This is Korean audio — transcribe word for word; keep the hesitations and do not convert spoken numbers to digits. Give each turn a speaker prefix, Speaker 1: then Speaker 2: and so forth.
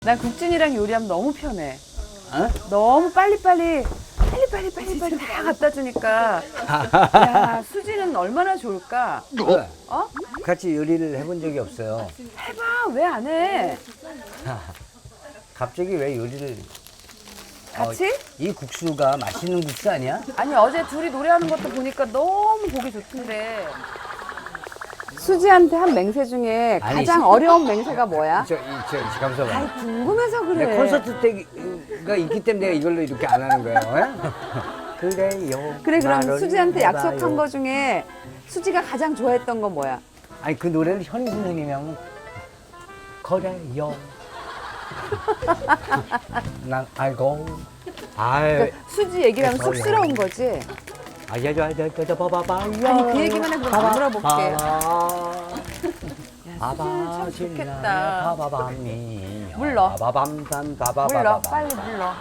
Speaker 1: 난 국진이랑 요리하면 너무 편해.
Speaker 2: 어?
Speaker 1: 너무 빨리빨리 빨리빨리 빨리빨리 다 갖다 주니까 야 수지는 얼마나 좋을까?
Speaker 2: 왜?
Speaker 1: 어?
Speaker 2: 같이 요리를 해본 적이 없어요.
Speaker 1: 해봐. 왜 안 해?
Speaker 2: 갑자기 왜 요리를?
Speaker 1: 같이?
Speaker 2: 어, 이 국수가 맛있는 국수 아니야?
Speaker 1: 아니 어제 둘이 노래하는 것도 보니까 너무 보기 좋던데. 수지한테 한 맹세 중에
Speaker 2: 아니,
Speaker 1: 가장
Speaker 2: 시-
Speaker 1: 어려운 맹세가 뭐야?
Speaker 2: 저, 이, 저, 잠깐만.
Speaker 1: 아이 궁금해서 그래.
Speaker 2: 내 콘서트 때가 있기 때문에 내가 이걸로 이렇게 안 하는 거예요. 예? 그래요.
Speaker 1: 그래 그럼
Speaker 2: 말을
Speaker 1: 수지한테
Speaker 2: 해봐요.
Speaker 1: 약속한 거 중에 수지가 가장 좋아했던 건 뭐야?
Speaker 2: 아니 그 노래는 현희 선생님이 하면 그래요. 난 알고. 아유.
Speaker 1: 그러니까 수지 얘기를 하면
Speaker 2: 그래서요.
Speaker 1: 쑥스러운 거지?
Speaker 2: 아야야야야야 봐봐봐.
Speaker 1: 아니, 그 얘기만 해, 그럼 안 물어볼게요.
Speaker 2: 봐봐
Speaker 1: 수지 참 좋겠다.
Speaker 2: 봐봐밤이
Speaker 1: 물러.
Speaker 2: 봐밤산
Speaker 1: 물러
Speaker 2: 봐봐봐봐
Speaker 1: 빨리 물러.